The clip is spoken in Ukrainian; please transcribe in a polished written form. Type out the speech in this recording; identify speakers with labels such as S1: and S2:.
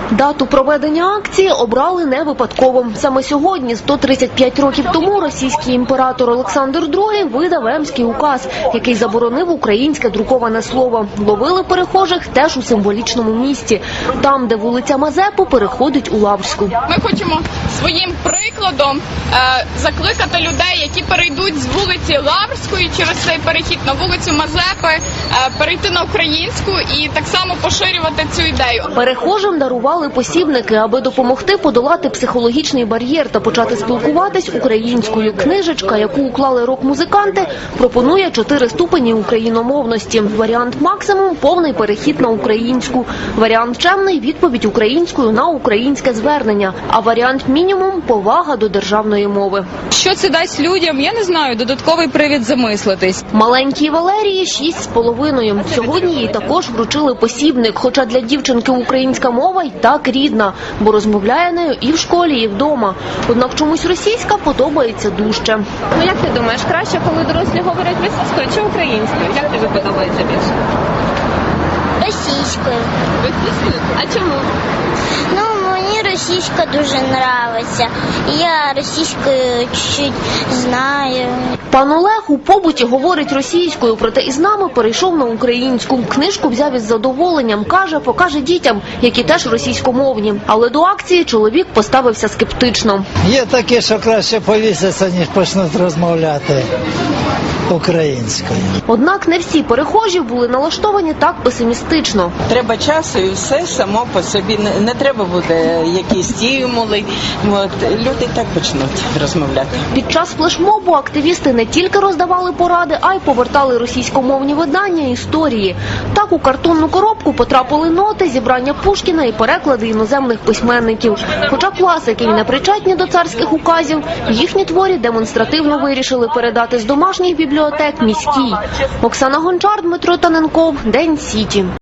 S1: Дату проведення акції обрали не випадково. Саме сьогодні, 135 років тому, російський імператор Олександр II видав Емський указ, який заборонив українське друковане слово. Ловили перехожих теж у символічному місці, там, де вулиця Мазепи переходить у Лаврську.
S2: Ми хочемо своїм прикладом закликати людей, які перейдуть з вулиці Лаврської через цей перехід на вулицю Мазепи, перейти на українську і так само поширювати цю ідею.
S1: Перехожим дарували посібники, аби допомогти подолати психологічний бар'єр та почати спілкуватись українською. Книжечка, яку уклали рок-музиканти, пропонує 4 ступені україномовності. Варіант максимум – повний перехід на українську. Варіант чемний – відповідь українською на українське звернення. А варіант мінімум – повага до державної мови.
S3: Що це дасть людям, я не знаю, додатковий привід замислитись.
S1: Маленькій Валерії 6,5. Сьогодні їй також вручили посібник, хоча для дівчинки українська мова й так рідна, бо розмовляє нею і в школі, і вдома. Однак чомусь російська подобається дужче.
S4: Ну як ти думаєш, краще, коли дорослі говорять російською чи українською? Як тобі подобається більше?
S5: Російською.
S4: Російською? А чому?
S5: Ну, мені російська дуже подобається. Я російською чуть-чуть знаю.
S1: Пан Олег у побуті говорить російською, проте із нами перейшов на українську. Книжку взяв із задоволенням, каже, покаже дітям, які теж російськомовні. Але до акції чоловік поставився скептично.
S6: Є таке, що краще повісяться, ніж почнуть розмовляти українською.
S1: Однак не всі перехожі були налаштовані так песимістично.
S7: Треба часу і все само по собі. Не треба буде якісь стимули. Люди так почнуть розмовляти.
S1: Під час флешмобу активісти не тільки роздавали поради, а й повертали російськомовні видання історії. Так у картонну коробку потрапили ноти, зібрання Пушкіна і переклади іноземних письменників. Хоча класики й не причетні до царських указів, їхні творі демонстративно вирішили передати з домашніх бібліотек міській. Оксана Гончар, Дмитро Таненков, День Сіті.